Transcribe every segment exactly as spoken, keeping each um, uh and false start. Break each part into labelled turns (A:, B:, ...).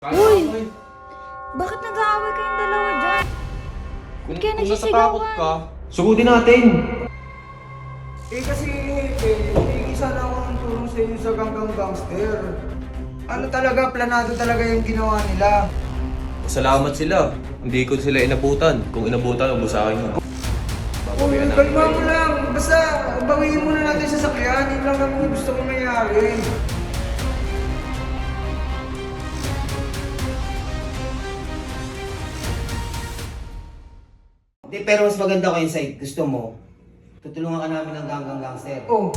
A: Uy! Bakit nag-aaway kayong dalawa dyan?
B: Kung,
A: Kaya
B: kung
A: nagsisigawan.
B: natatakot ka, sugutin natin.
C: Eh kasi, eh, hindi sana ako ng tulong sa inyo sa Ganggang Gangster. Ano talaga, planado talaga yung ginawa nila.
B: Salamat sila. Hindi ko sila inabutan. Kung inabutan, huwag mo sa akin yun.
C: Uy,
B: Babawian namin
C: kalma
B: kayo.
C: mo lang. Basta, bawiin muna natin sa sakyan. Yun lang naman yung gusto kong nangyari.
D: Hindi, pero mas maganda ko inside. Gusto mo, tutulungan ka namin ng Ganggang Gangster.
C: Oh.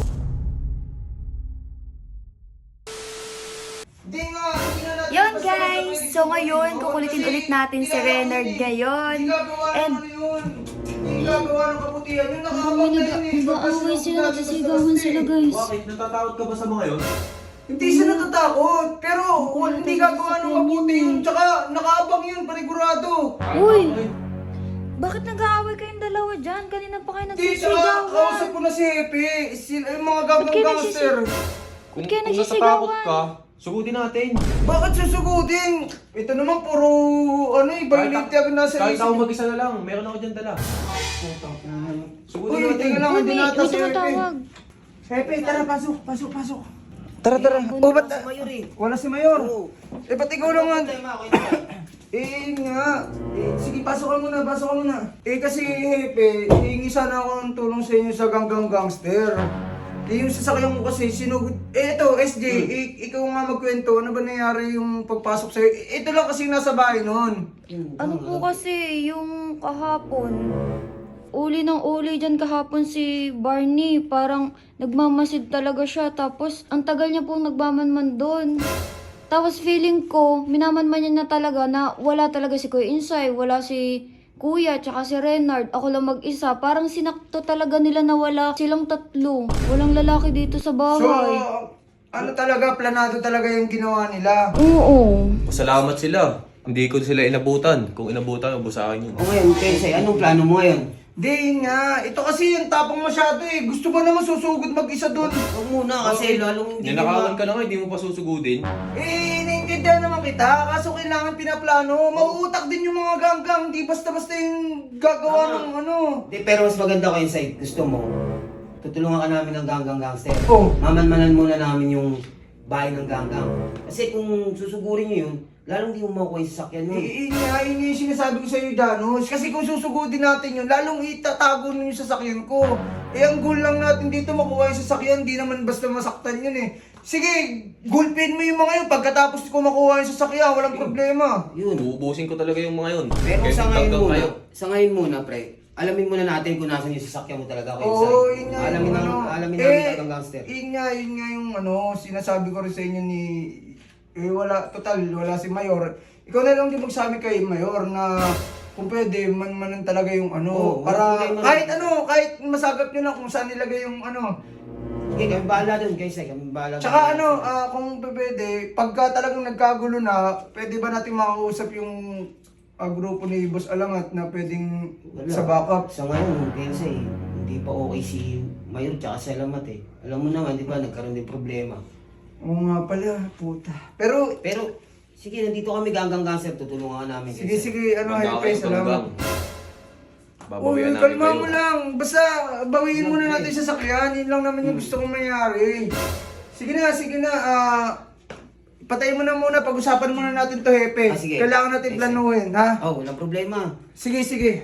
C: Hindi nga, hindi na natin
A: Yun
C: basta
A: guys!
C: basta
A: So ngayon, kukulitin
C: kasi
A: ulit natin si
C: ginagawa
A: Renard
C: yun eh.
A: ngayon.
C: Hindi gagawa ng
A: And
C: ano yun. Hindi gagawa ng kabutihan. Yung nakakabag na yun eh.
E: Nag-aaway sila, nagsisigawan sila guys.
B: Bakit? Natatakot ka ba sa mga yun?
C: Hindi siya natatakot, pero wal- hindi gagawa ng mabuti yun. Tsaka nakaabang yun, panigurado.
A: Uy! Bakit nag-aaway kayong dalawa dyan? Kanina pa kayo
C: Hindi, tsaka kausap
A: nagsisigawan.
C: ko na si Hepe. Sila, yung mga
A: Ba't
C: ganggang
A: kayo
C: gangster.
B: Kung,
A: kayo
B: kung
A: nagsisigawan?
B: natatakot ka, sugutin natin.
C: Bakit susugutin? Ito naman puro, ano eh, violate agad nasa
B: Kahit
C: isip.
B: ako mag-isa na lang, meron ako dyan dala. Sugutin
C: Uy,
B: natin.
C: tingnan lang,
A: Uy,
C: hindi
A: may,
C: nata
A: may
C: si Hepe.
A: tumatawag.
C: Hepe, tara, pasok, pasok, pasok. Tara, tara. O, ba't?
D: Si Mayor eh.
C: Wala si Mayor.
D: Oo.
C: Eh, ba't ikaw lang nga?
D: Problema ako yun.
C: Eh, nga. Eh, sige, pasok ka muna, pasok ka muna. Eh, kasi, Hepe, hihingi sana ako ng tulong sa inyo sa Ganggang Gangster. Eh, yung sasakyan ko kasi, sinugod... Eh, ito, S J, eh, ikaw nga magkwento, ano ba nangyari yung pagpasok sa'yo? Eh, ito lang kasi nasa bahay noon.
A: Ano po kasi, yung kahapon, uli ng uli dyan kahapon si Barney. Parang nagmamasid talaga siya. Tapos, ang tagal niya pong nagmamanman doon. Tapos feeling ko, minamanman niya na talaga na wala talaga si Kuya Insay, wala si Kuya, tsaka si Renard. Ako lang mag-isa. Parang sinakto talaga nila na wala silang tatlo. Walang lalaki dito sa
C: So,
A: bahay.
C: ano talaga, planado talaga yung ginawa nila.
A: Oo.
B: Salamat sila. Hindi ko sila inabutan. Kung inabutan, huwag mo sa akin yun.
D: O ngayon, Kensay, anong plano mo ngayon?
C: Di, yun nga. Ito kasi yung tapang masyado eh. Gusto ba naman susugod mag-isa doon?
D: Huwag muna kasi lalong hindi
B: Ninakawan
D: ma-
B: ka na nga, hindi mo pa susugudin.
C: Eh, naiintindihan naman kita. Kaso kailangan pinaplano. Mauutak din yung mga ganggang. Di basta-basta yung gagawa
D: Tama.
C: ng ano.
D: Hindi, pero mas maganda ko inside. Gusto mo, tutulungan ka namin ng Ganggang Gangster.
C: Oh.
D: Mamanmanan muna namin yung bahay ng Ganggang. Kasi kung susugurin nyo yun, lalong di mo makuha yung sasakyan mo.
C: Eh, nga, yun yung sinasabi ko sa'yo, Janos. Kasi kung susugudin natin yun, lalong itatago nun yung sasakyan ko. Eh, ang goal lang natin dito makuha yung sasakyan. Di naman basta masaktan yun eh. Sige, gulpin mo yung mga yun. Pagkatapos ko makuha yung sasakyan, walang problema.
D: Yun.
B: Uubusin ko talaga yung mga yun.
D: Pero
B: Kahit
D: sa ngayon
B: hanggang
D: muna,
B: kayo.
D: sa ngayon muna, pre, alamin muna natin kung nasan yung sasakyan mo talaga kay
C: Oo,
D: Insay.
C: yun nga
D: Alamin
C: yung
D: namin,
C: ano.
D: alamin
C: Eh,
D: namin Ganggang Gangster.
C: Yun nga, yun nga yung ano, sinasabi ko rin sa inyo ni... Eh, wala, total, wala si Mayor. Ikaw na lang din magsabi kay Mayor na kung pwede, man-manan talaga yung ano.
D: Oo,
C: para
D: okay, man-
C: kahit ano, kahit masagap nyo na kung saan nilagay yung ano.
D: Sige, kami bahala dun, kay Insay. Kami bahala dun.
C: Tsaka ano, ah, kung pwede, pagka talagang nagkagulo na, pwede ba natin makausap yung ah, grupo ni Boss Alangat na pwedeng
D: Wala.
C: sa backup?
D: Sa ngayon, Kensay, hindi pa okay si Mayor tsaka si Alamat eh. Alam mo naman, di ba, nagkaroon din problema.
C: Oo nga pala, puta. Pero,
D: Pero, sige, nandito kami Ganggang Gangster, tutulungan ka namin.
C: sige,
D: Kensay.
C: sige, ano,
B: Hanggang
C: Hepe,
B: kayo,
C: salamat.
B: hanggang.
C: Uy,
B: Babawian namin
C: kalma
B: kayo.
C: mo lang. Basta, bawiin muna natin sa sakyan. Yun lang naman yung gusto kong mangyari. Sige na, sige na. ah patayin mo na muna. Pag-usapan muna natin to, Hepe.
D: Ah, sige.
C: Kailangan natin
D: Sige.
C: planuhin, ha?
D: Oh, walang problema.
C: Sige, sige.